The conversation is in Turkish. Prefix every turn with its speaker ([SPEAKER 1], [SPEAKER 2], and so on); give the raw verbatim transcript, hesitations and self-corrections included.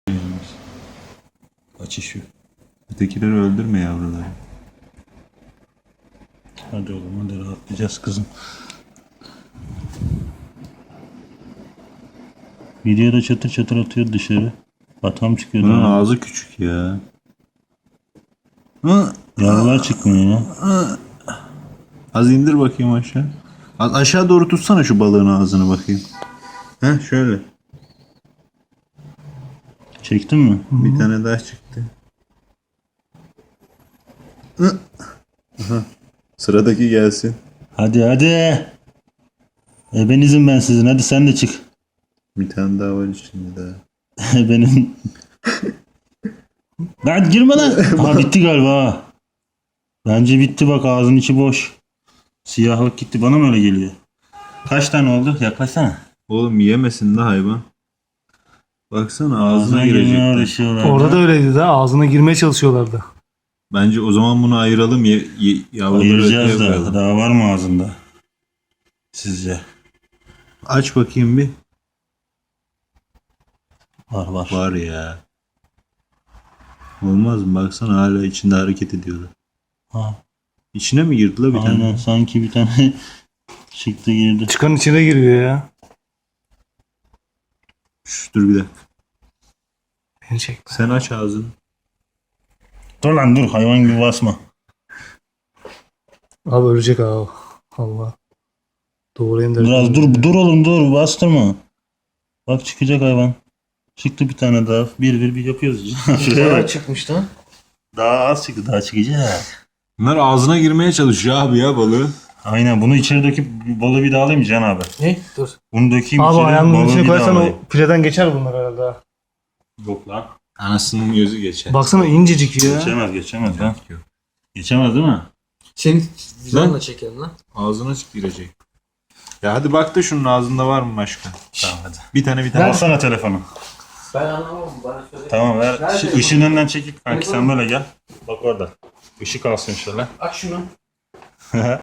[SPEAKER 1] Açış yok. Ötekileri öldürme yavruları.
[SPEAKER 2] Hadi oğlum hadi rahatlayacağız kızım. Videoda çatır çatır atıyor dışarı. Atam çıkıyor.
[SPEAKER 1] Bunun
[SPEAKER 2] daha.
[SPEAKER 1] ağzı küçük ya. Hı,
[SPEAKER 2] Yavrular çıkmıyor ya.
[SPEAKER 1] az indir bakayım aşağı. Az aşağı doğru tutsana şu balığın ağzını bakayım. Heh şöyle.
[SPEAKER 2] Çektin mi?
[SPEAKER 1] Bir tane daha çıktı. Hı. Aha. Sıradaki gelsin.
[SPEAKER 2] Hadi hadi. Ebenizim ben sizin. Hadi sen de çık.
[SPEAKER 1] Bir tane daha var içinde daha.
[SPEAKER 2] Benim. Lan girme lan. Ha bitti galiba. ha. Bence bitti bak ağzın içi boş. Siyahlık gitti bana mı öyle geliyor? Kaç tane oldu? Yaklaşsana.
[SPEAKER 1] Oğlum yemesin de hayvan. Baksana ağzına
[SPEAKER 2] Ağzına girmeye
[SPEAKER 1] girecek.
[SPEAKER 2] uğraşıyorlar.
[SPEAKER 3] Orada da öyleydi de ağzına girmeye çalışıyorlardı.
[SPEAKER 1] Bence o zaman bunu ayıralım. Ye, ye, yavruları
[SPEAKER 2] Ayıracağız
[SPEAKER 1] öteye
[SPEAKER 2] da.
[SPEAKER 1] koyalım.
[SPEAKER 2] Daha var mı ağzında? Sizce?
[SPEAKER 1] Aç bakayım bir.
[SPEAKER 2] Var var.
[SPEAKER 1] Var ya. Olmaz mı? Baksana hala içinde hareket ediyorlar.
[SPEAKER 2] Ha,
[SPEAKER 1] İçine mi girdi la bir
[SPEAKER 2] aynen
[SPEAKER 1] tane?
[SPEAKER 2] sanki bir tane çıktı girdi.
[SPEAKER 3] Çıkan içine giriyor ya.
[SPEAKER 1] Şş, dur bir dakika.
[SPEAKER 3] Beni çekme.
[SPEAKER 1] Sen aç ağzını.
[SPEAKER 2] Dur lan dur hayvan gibi basma.
[SPEAKER 3] Abi ölecek abi. Allah. Doğrayayım da.
[SPEAKER 2] Biraz dur dur oğlum dur bastırma. Bak çıkacak hayvan. Çıktı bir tane daha. Bir bir bir yapıyoruz. Şuraya bak.
[SPEAKER 3] çıkmış lan.
[SPEAKER 2] Daha az çıktı daha çıkacak.
[SPEAKER 1] Bunlar ağzına girmeye çalışıyor abi ya balığı.
[SPEAKER 2] Aynen bunu içeri döküp balığı bir daha alayım mı Can abi?
[SPEAKER 3] Ne? Dur.
[SPEAKER 2] Bunu dökeyim
[SPEAKER 3] Abi
[SPEAKER 2] içeri
[SPEAKER 3] ayağının
[SPEAKER 2] balığı
[SPEAKER 3] içine
[SPEAKER 2] bir daha
[SPEAKER 3] koyarsan o
[SPEAKER 2] alayım.
[SPEAKER 3] pireden geçer bunlar herhalde. ha.
[SPEAKER 2] Yok lan.
[SPEAKER 1] Anasının gözü geçer.
[SPEAKER 3] Baksana incecik ya.
[SPEAKER 2] Geçemez geçemez lan. Geçemez değil mi?
[SPEAKER 4] Senin
[SPEAKER 1] Lan.
[SPEAKER 4] videonla çekelim lan.
[SPEAKER 1] Ağzına çık girecek. Ya hadi bak da şunun ağzında var mı başka?
[SPEAKER 2] Tamam hadi.
[SPEAKER 1] Bir tane bir tane.
[SPEAKER 2] Alsana telefonu.
[SPEAKER 4] Ben anlamam bana söyle.
[SPEAKER 2] Tamam ver.
[SPEAKER 4] Nerede
[SPEAKER 2] Şu
[SPEAKER 4] bu?
[SPEAKER 2] ışığın önünden çekip kanki sen
[SPEAKER 4] Telefonu.
[SPEAKER 2] böyle gel. Bak orada. Işık alsın şöyle.
[SPEAKER 4] Aç şunu.